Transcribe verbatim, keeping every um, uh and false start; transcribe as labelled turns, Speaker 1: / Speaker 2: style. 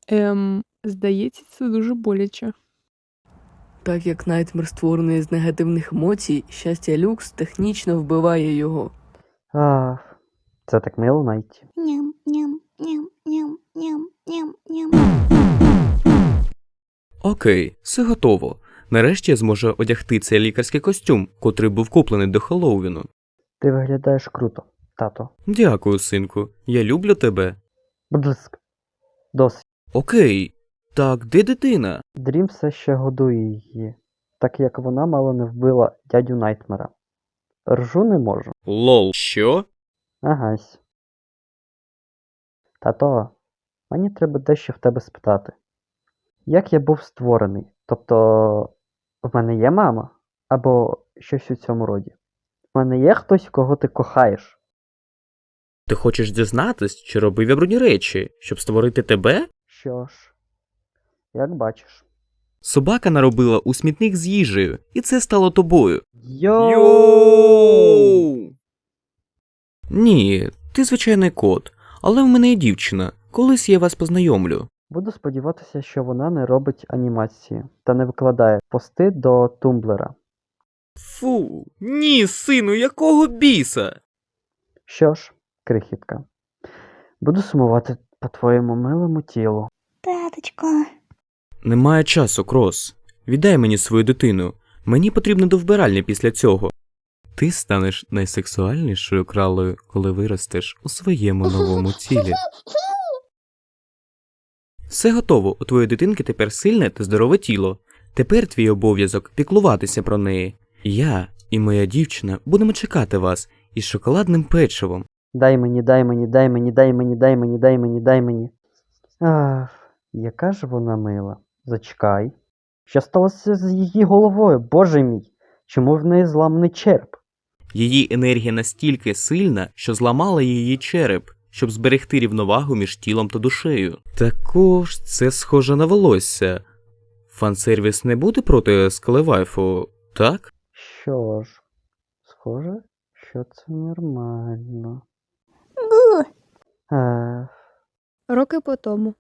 Speaker 1: Ем, здається, це дуже боляче.
Speaker 2: Так як Найтмер створений з негативних емоцій, щастя люкс технічно вбиває його.
Speaker 3: Ах, це так мило, Найті.
Speaker 4: Ням, ням, ням, ням, ням, ням, ням.
Speaker 5: Окей, все готово. Нарешті я зможу одягти цей лікарський костюм, котрий був куплений до Хеллоуіну.
Speaker 3: Ти виглядаєш круто, тато.
Speaker 5: Дякую, синку. Я люблю тебе.
Speaker 3: Будь ласка. Досить.
Speaker 5: Окей. Так, де дитина?
Speaker 3: Дрім все ще годує її, так як вона мало не вбила дядю Найтмера. Ржу не можу.
Speaker 5: Лол. Що?
Speaker 3: Агась. Тато, мені треба дещо в тебе спитати. Як я був створений? Тобто, в мене є мама? Або щось у цьому роді? В мене є хтось, кого ти кохаєш?
Speaker 5: Ти хочеш дізнатись, чи робив я брудні речі, щоб створити тебе?
Speaker 3: Що ж, як бачиш.
Speaker 5: Собака наробила у смітник з їжею, і це стало тобою.
Speaker 3: Йоу!
Speaker 5: Ні, ти звичайний кот, але в мене є дівчина. Колись я вас познайомлю.
Speaker 3: Буду сподіватися, що вона не робить анімації та не викладає пости до тумблера.
Speaker 5: Фу, ні, сину, якого біса?
Speaker 3: Що ж, крихітка, буду сумувати по твоєму милому тілу.
Speaker 4: Таточко.
Speaker 5: Немає часу, Крос. Віддай мені свою дитину. Мені потрібно до вбиральні після цього. Ти станеш найсексуальнішою кралою, коли виростеш у своєму новому тілі. Все готово, у твоєї дитинки тепер сильне та здорове тіло. Тепер твій обов'язок піклуватися про неї. Я і моя дівчина будемо чекати вас із шоколадним печивом.
Speaker 3: Дай мені, дай мені, дай мені, дай мені, дай мені, дай мені, дай мені. Ах, яка ж вона мила. Зачекай. Що сталося з її головою, боже мій? Чому в неї зламаний череп?
Speaker 5: Її енергія настільки сильна, що зламала її череп, щоб зберегти рівновагу між тілом та душею. Також це схоже на волосся. Фан-сервіс не буде проти скелевайфу, так?
Speaker 3: Що ж, схоже, що це нормально.
Speaker 4: Гу.
Speaker 3: Ех,
Speaker 1: Роки по тому.